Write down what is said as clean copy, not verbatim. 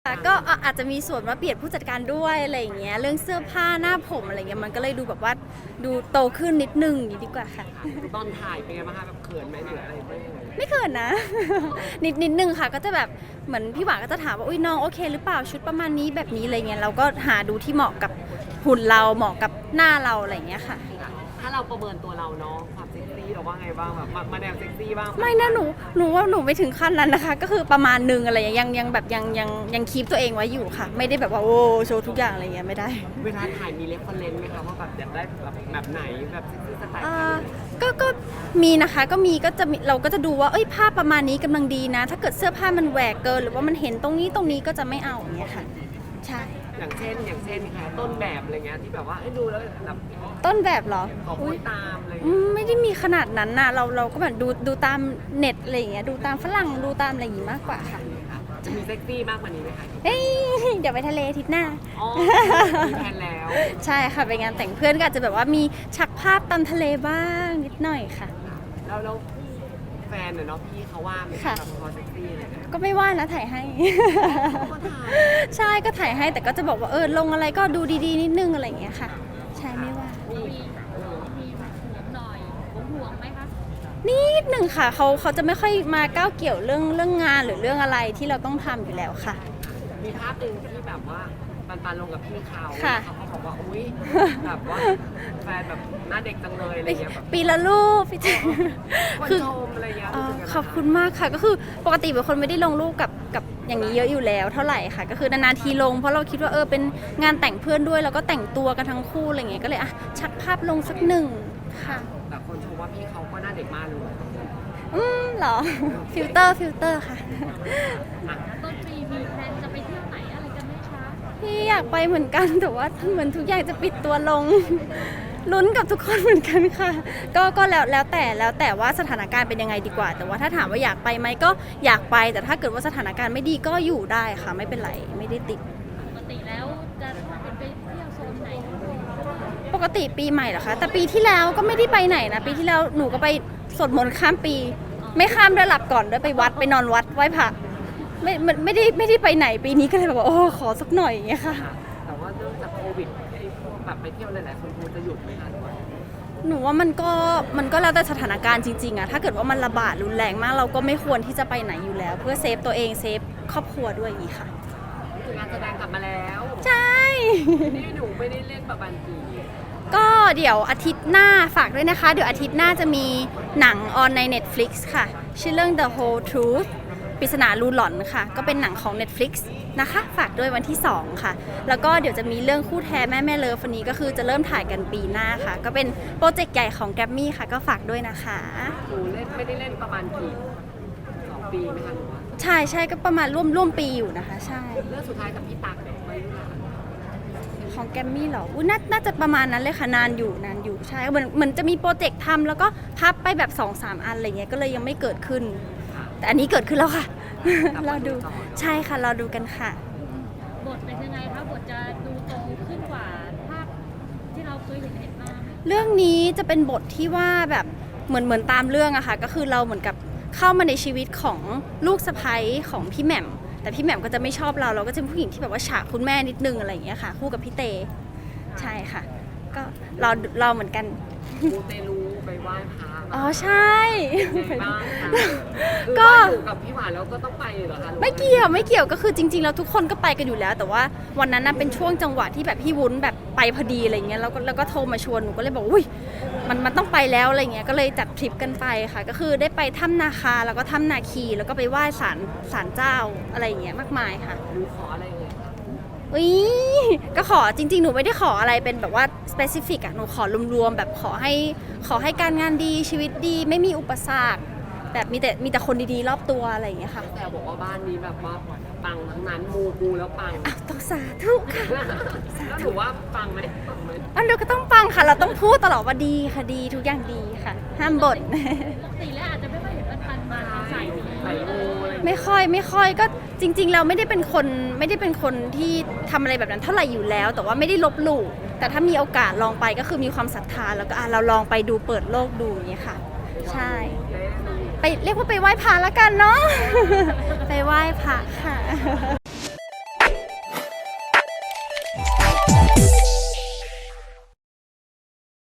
ค่ะก็อาจจะมีส่วนว่าเปลี่ยนผู้จัดการด้วยอะไรอย่างเงี้ยเรื่องเสื้อผ้าหน้าผมอะไรเงี้ยมันก็เลยดูแบบว่าดูโตขึ้นนิดนึงอย่างนี้ดีกว่าค่ะตอนถ่ายเป็นไงบ้างคะแบบเขินไหมหรืออะไรไหมไม่เขินนะ นิดนึงค่ะก็จะแบบเหมือนพี่หวานก็จะถามว่าอุ้ยน้องโอเคหรือเปล่าชุดประมาณนี้แบบนี้อะไรเงี้ยเราก็หาดูที่เหมาะกับหุ่นเราเหมาะกับหน้าเราอะไรเงี้ยค่ะถ้าเราประเมินตัวเราเนาะความเซ็กซี่เราว่าไงบ้างแบบมาแนวเซ็กซี่บ้างไม่นะหนูว่าหนูไม่ถึงขั้นนั้นนะคะ ก็คือประมาณนึงอะไรอย่างเงี้ยยังแบบยังคีปตัวเองไว้อยู่ค่ะ ไม่ได้แบบว่าโอ้โชว์ทุกอย่างอะไรเงี้ยไม่ได้เวลาถ่ายมีเรฟเฟอเรนซ์ไหมคะว่าแบบอยากได้แบบไหนแบบเซ็กซี่สไตล์ไหนก็มีนะคะก็มีก็จะมีเราก็จะดูว่าเอ้ยภาพประมาณนี้กำลังดีนะ ถ้าเกิดเสื้อผ้ามันแหวกเกินหรือว่ามันเห็นตรงนี้ก็จะไม่เอาอย่างเงี้ยค่ะใช่อย่างเช่นค่ะต้นแบบอะไรเงี้ยที่แบบว่าดูแล้วแบบต้นแบบเหรอขอพูดตามอะไรไม่ได้มีขนาดนั้นนะเราก็แบบดูตามเน็ตอะไรอย่างเงี้ยดูตามฝรั่งดูตามอะไรอย่างงี้มากกว่าค่ะจะมีเซ็กซี่มากกว่านี้ไหมคะเฮ้ยเดี๋ยวไปทะเลอาทิตย์หน้าอ๋อมีแผนแล้วใช่ค่ะไปงานแต่งเพื่อนก็อาจจะแบบว่ามีชักภาพตามทะเลบ้างนิดหน่อยค่ะแล้วแฟนเนาะพี่เขาว่าไหมค่ะแบบพอเซ็กซี่อะไรเงี้ยก็ไม่ว่านะถ่ายให้ก็ถ่ายใช่ก็ถ่ายให้แต่ก็จะบอกว่าลงอะไรก็ดูดีๆนิดนึงอะไรอย่างเงี้ยค่ะ ใช่ไม่ว่ามีห่วงหน่อยห่วงไหมคะนิดหนึ่งค่ะเขาจะไม่ค่อยมาก้าวเกี่ยวเรื่องงานหรือเรื่องอะไรที่เราต้องทำอยู่แล้วค่ะมีภาพหนึ่งที่แบบว่าปันลงกับพี่เขาค่ะเขาบอกว่าอุ้ยแบบว่าแฟนแบบหน้าเด็กจังเลยอะไรเงี้ยแบบปีละรูปพี่เจคนคือชมอะไรเงี้ยขอบคุณมากค่ะก็คือปกติเป็นคนไม่ได้ลงรูปกับอย่างนี้เยอะอยู่แล้วเท่าไหร่ค่ะ ก็คือนานๆทีลงเพราะเราคิดว่าเป็นงานแต่งเพื่อนด้วยแล้วก็แต่งตัวกันทั้งคู่อะไรเงี้ยก็เลยชักภาพลงสักหนึ่งค่ะแต่คนชมว่าพี่เขาก็หน้าเด็กมากเลยเหรอ ฟิลเตอร์ค่ะต้นปีมีแพลนจะไปเที่ยวไหนอะไรกันไหมคะพี่อยากไปเหมือนกันแต่ว่าเหมือนทุกอย่างจะปิดตัวลง ลุ้นกับทุกคนเหมือนกันค่ะ ก็แล้วแต่ว่าสถานการณ์เป็นยังไงดีกว่า แต่ว่าถ้าถามว่าอยากไปไหมก็อยากไป แต่ถ้าเกิดว่าสถานการณ์ไม่ดีก็อยู่ได้ค่ะไม่เป็นไรไม่ได้ติดปกติแล้วจะเป็นไปเที่ยวโซนไหนปกติปีใหม่เหรอคะแต่ปีที่แล้วก็ไม่ได้ไปไหนนะปีที่แล้วหนูก็ไปสวดมนต์ข้ามปี ไม่ข้ามด้วยหลับก่อนด้วยไปวัดไปนอนวัดไหว้พระไม่ได้ไปไหนปีนี้ก็เลยแบบว่าขอสักหน่อยอย่างเงี้ยค่ะแต่ว่าเนื่องจากโควิดแบบไปเที่ยวหลายๆคนคงจะหยุดไหมคะหนูว่ามันก็แล้วแต่สถานการณ์จริงๆอะถ้าเกิดว่ามันระบาดรุนแรงมากเราก็ไม่ควรที่จะไปไหนอยู่แล้ว เพื่อเซฟตัวเองเซฟครอบครัวด้วยอย่างนี้ค่ะคืองานแสดงกลับมาแล้วใช่นี่หนูไม่ได้เล่นแบบบันจีก็เดี๋ยวอาทิตย์หน้าฝากด้วยนะคะ เดี๋ยวอาทิตย์หน้าจะมีหนังออนใน Netflix ค่ะ ชื่อเรื่อง The Whole Truth ปริศนาลูหลอนค่ะ ก็เป็นหนังของ Netflix นะคะ ฝากด้วยวันที่ 2 ค่ะ แล้วก็เดี๋ยวจะมีเรื่องคู่แท้แม่เลิฟวันนี้ก็คือจะเริ่มถ่ายกันปีหน้าค่ะ ก็เป็นโปรเจกต์ใหญ่ของแกรมมี่ค่ะ ก็ฝากด้วยนะคะหนูเล่นไม่ได้เล่นประมาณกี่2 ปีไหมคะหนูว่าใช่ก็ประมาณร่วมปีอยู่นะคะ ใช่เรื่องสุดท้ายกับพี่ตั๊กไม่รู้ละของแกรมมี่เหรออุ๊ยน่าจะประมาณนั้นเลยค่ะนานอยู่ใช่เหมือนจะมีโปรเจกต์ทำแล้วก็พับไปแบบ 2-3 อันอะไรเงี้ยก็เลยยังไม่เกิดขึ้น แต่อันนี้เกิดขึ้นแล้วค่ะ รอดูใช่ค่ะรอดูกันค่ะบทเป็นยังไงคะบทจะดูโตขึ้นกว่าภาพที่เราเคยเห็นมาไหมเรื่องนี้จะเป็นบทที่ว่าแบบเหมือนตามเรื่องอะค่ะก็คือเราเหมือนกับเข้ามาในชีวิตของลูกสะใภ้ของพี่แหม่มแต่พี่แหม่มก็จะไม่ชอบเราก็จะเป็นผู้หญิงที่แบบว่าฉากคุณแม่นิดนึงอะไรอย่างเงี้ยค่ะคู่กับพี่เตใช่ค่ะ ก็เราเหมือนกันมูเตลูไปไหว้พระอ๋อใช่ยังไงบ้างคะก็คือว่าอยู่กับพี่หวานแล้วก็ต้องไปเหรอคะหรือว่าไม่เกี่ยวก็คือจริงๆแล้วทุกคนก็ไปกันอยู่แล้ว แต่ว่าวันนั้นน่ะเป็นช่วงจังหวะที่แบบพี่วุ้นแบบไปพอดีอะไรเงี้ยแล้วก็โทรมาชวนหนูก็เลยบอกอุ้ยมันต้องไปแล้วอะไรเงี้ยก็เลยจัดทริปกันไปค่ะ ก็คือได้ไปถ้ำนาคาแล้วก็ถ้ำนาคีแล้วก็ไปไหว้ศาลเจ้าอะไรอย่างเงี้ยมากมายค่ะหนูขออะไรเลยคะอุ้ยก็ขอจริงๆหนูไม่ได้ขออะไรเป็นแบบว่า specific อะหนูขอรวมๆแบบขอให้การงานดีชีวิตดีไม่มีอุปสรรคแบบมีแต่คนดีๆรอบตัวอะไรอย่างเงี้ยค่ะแต่บอกว่าบ้านนี้แบบว่าปังทั้งนั้นมูแล้วปังอ้าวต้องสาธุค่ะแล้วหนูว่าปังไหมปังไหมอันเดียวก็ต้องปังค่ะ เราต้องพูดตลอดว่าดีค่ะดีทุกอย่างดีค่ะ ห้ามบ่นปกติแล้วอาจจะไม่ค่อยเห็นปันมาใส่นี้ใส่มูอะไรอย่างเงี้ยไม่ค่อยก็จริงๆเราไม่ได้เป็นคนที่ทำอะไรแบบนั้นเท่าไหร่อยู่แล้ว แต่ว่าไม่ได้ลบหลู่แต่ถ้ามีโอกาสลองไปก็คือมีความศรัทธาแล้วก็เราลองไปดูเปิดโลกดูอย่างเงี้ยค่ะ ใช่ ไปเรียกว่าไปไหว้พระแล้วกันเนาะ ไปไหว้พระค่ะ